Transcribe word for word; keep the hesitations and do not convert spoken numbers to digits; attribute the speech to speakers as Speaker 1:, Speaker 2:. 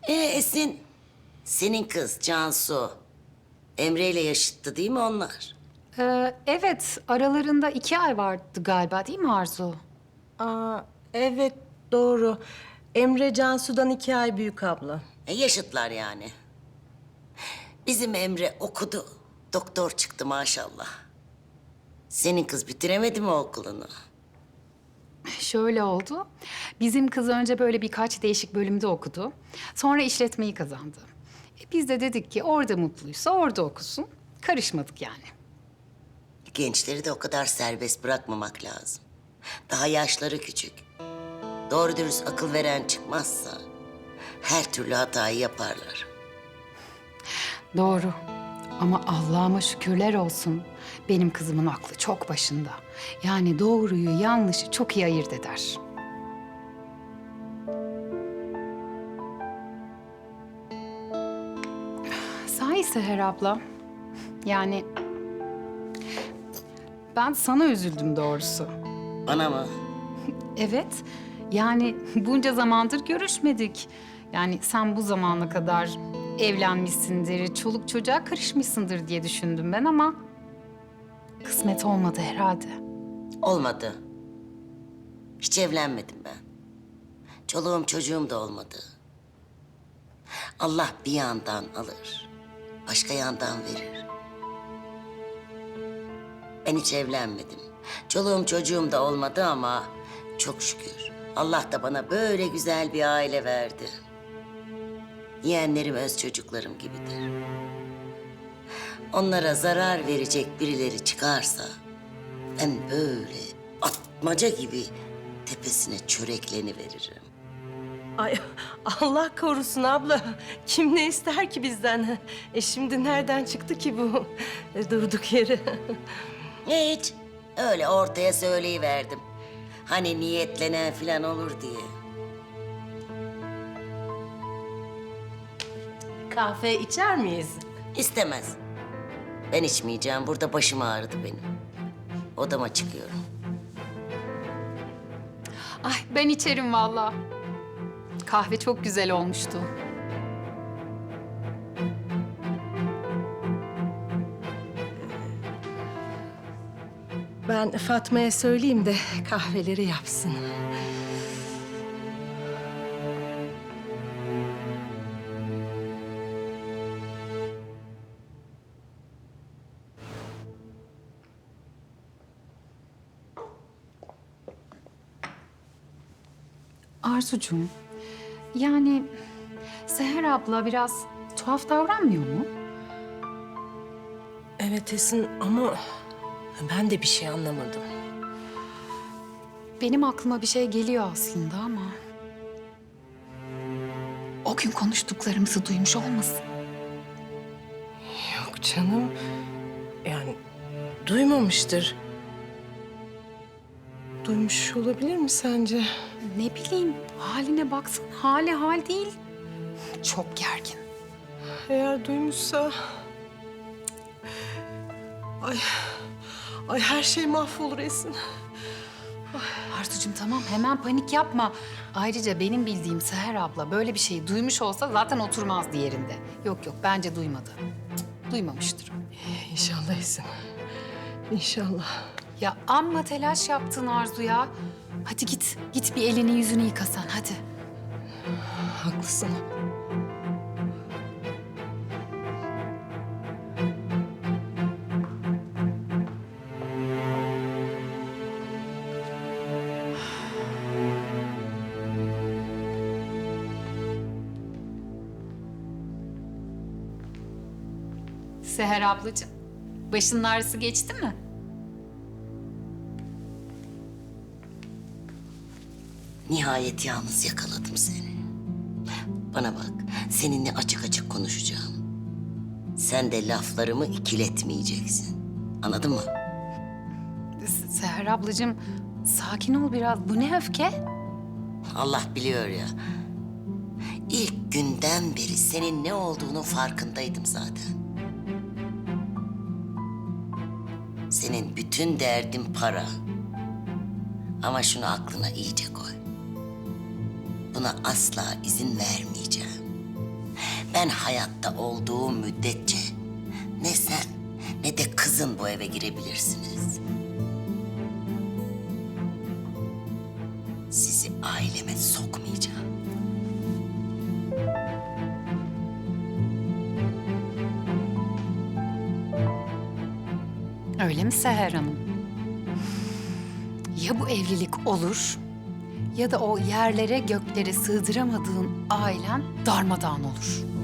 Speaker 1: Ee Esin, senin kız Cansu, Emre ile yaşıttı değil mi onlar?
Speaker 2: Ee, evet, aralarında iki ay vardı galiba değil mi Arzu?
Speaker 3: Aa, evet doğru. Emre Cansu'dan iki ay büyük abla.
Speaker 1: E, yaşıtlar yani. Bizim Emre okudu, doktor çıktı maşallah. Senin kız bitiremedi mi okulunu?
Speaker 2: Şöyle oldu. Bizim kız önce böyle birkaç değişik bölümde okudu. Sonra işletmeyi kazandı. E, biz de dedik ki orada mutluysa orada okusun. Karışmadık yani.
Speaker 1: Gençleri de o kadar serbest bırakmamak lazım. Daha yaşları küçük. Doğru dürüst akıl veren çıkmazsa her türlü hatayı yaparlar.
Speaker 2: Doğru. Ama Allah'ıma şükürler olsun. Benim kızımın aklı çok başında. Yani doğruyu yanlışı çok iyi ayırt eder. Sahi Seher abla. Yani ben sana üzüldüm doğrusu.
Speaker 1: Bana mı?
Speaker 2: Evet. Yani bunca zamandır görüşmedik. Yani sen bu zamana kadar evlenmişsindir, çoluk çocuğa karışmışsındır diye düşündüm ben ama kısmet olmadı herhalde.
Speaker 1: Olmadı. Hiç evlenmedim ben. Çoluğum çocuğum da olmadı. Allah bir yandan alır, başka yandan verir. Ben hiç evlenmedim. Çoluğum çocuğum da olmadı ama çok şükür Allah da bana böyle güzel bir aile verdi. Yeğenlerim öz çocuklarım gibidir. Onlara zarar verecek birileri çıkarsa ben böyle atmaca gibi tepesine çörekleni veririm.
Speaker 3: Ay Allah korusun abla. Kim ne ister ki bizden? E şimdi nereden çıktı ki bu? E, durduk yere.
Speaker 1: Hiç. Öyle ortaya söyleyiverdim. Hani niyetlenen falan olur diye.
Speaker 3: Kahve içer miyiz?
Speaker 1: İstemez. Ben içmeyeceğim. Burada başım ağrıdı benim. Odama çıkıyorum.
Speaker 2: Ay ben içerim vallahi. Kahve çok güzel olmuştu.
Speaker 3: Ben Fatma'ya söyleyeyim de kahveleri yapsın.
Speaker 2: Arzucuğum, yani Seher abla biraz tuhaf davranmıyor mu?
Speaker 3: Evet Esin ama ben de bir şey anlamadım.
Speaker 2: Benim aklıma bir şey geliyor aslında ama... O gün konuştuklarımızı duymuş olmasın?
Speaker 3: Yok canım. Yani duymamıştır. Duymuş olabilir mi sence?
Speaker 2: Ne bileyim, haline baksana. Hali hal değil. Çok gergin.
Speaker 3: Eğer duymuşsa... Ay, ay her şey mahvolur Esin.
Speaker 2: Arzucuğum tamam, hemen panik yapma. Ayrıca benim bildiğim Seher abla böyle bir şeyi duymuş olsa zaten oturmazdı yerinde. Yok yok, bence duymadı. Cık, duymamıştır.
Speaker 3: İnşallah Esin. İnşallah.
Speaker 2: Ya amma telaş yaptın Arzu ya. Hadi git, git bir elini yüzünü yıkasan hadi.
Speaker 3: Haklısın.
Speaker 2: Seher ablacığım, başının ağrısı geçti mi?
Speaker 1: Nihayet yalnız yakaladım seni. Bana bak, seninle açık açık konuşacağım. Sen de laflarımı ikiletmeyeceksin. Anladın mı?
Speaker 2: Se- Seher ablacığım, sakin ol biraz. Bu ne öfke?
Speaker 1: Allah biliyor ya. İlk günden beri senin ne olduğunun farkındaydım zaten. Senin bütün derdin para. Ama şunu aklına iyice koy. Buna asla izin vermeyeceğim. Ben hayatta olduğum müddetçe ne sen ne de kızın bu eve girebilirsiniz. Sizi aileme sokmayacağım.
Speaker 2: Öyle mi Seher Hanım? Ya bu evlilik olur ya da o yerlere göklere sığdıramadığın ailen darmadağın olur.